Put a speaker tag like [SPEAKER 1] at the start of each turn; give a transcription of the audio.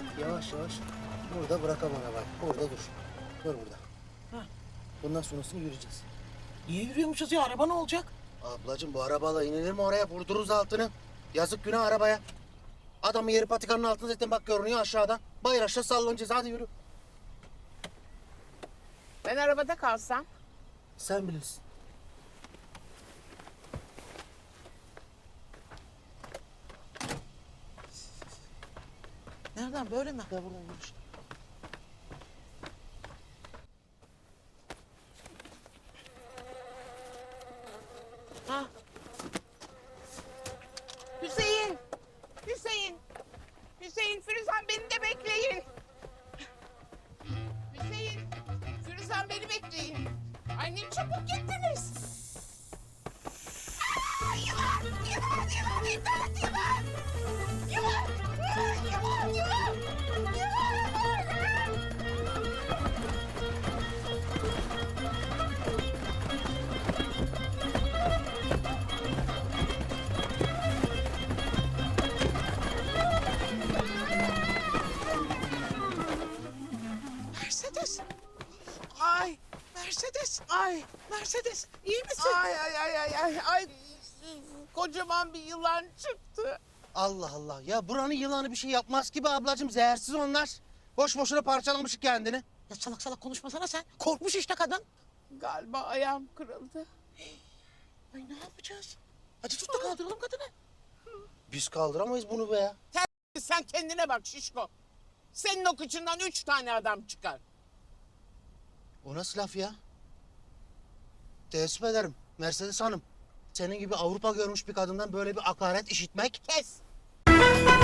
[SPEAKER 1] Yavaş yavaş. Burada bırakamam arabayı. Burada dur. Dur burada.
[SPEAKER 2] Ha.
[SPEAKER 1] Bundan sonrasını yürüyeceğiz.
[SPEAKER 2] Niye yürüyormuşuz ya? Araba ne olacak?
[SPEAKER 1] Ablacığım bu arabayla inilir mi oraya? Vurdururuz altını. Yazık günah arabaya. Adamın yeri patikanın altında zaten bak görünüyor aşağıda. Bayır aşağı sallanacağız. Hadi yürü.
[SPEAKER 3] Ben arabada kalsam.
[SPEAKER 1] Sen bilirsin.
[SPEAKER 2] Nereden böyle mi?
[SPEAKER 1] Ya buradan yürü işte.
[SPEAKER 3] Ha. Hüseyin! Hüseyin! Hüseyin, Firuzan beni de bekleyin. Hüseyin, Firuzan beni bekleyin. Annem çabuk gittiniz. Aa, yılan! Yılan! Yılan! İmdat! Yılan! Yılan! Yılan! Yılan!
[SPEAKER 2] Mercedes. Ay Mercedes. Ay Mercedes. İyi misin?
[SPEAKER 3] Ay ay ay ay ay ay. Kocaman bir yılan çıktı.
[SPEAKER 1] Allah Allah. Ya buranın yılanı bir şey yapmaz ki be ablacığım. Zehirsiz onlar. Boş boşuna parçalamışık kendini.
[SPEAKER 2] Ya salak salak konuşmasana sen. Korkmuş işte kadın.
[SPEAKER 3] Galiba ayağım kırıldı.
[SPEAKER 2] Ay ne yapacağız? Hadi tut da kaldıralım kadını.
[SPEAKER 1] Biz kaldıramayız bunu be ya.
[SPEAKER 3] Sen kendine bak şişko. Senin o kıçından 3 tane adam çıkar.
[SPEAKER 1] O nasıl laf ya? Teessüf ederim Mercedes Hanım. Senin gibi Avrupa görmüş bir kadından böyle bir hakaret işitmek...
[SPEAKER 3] Kes.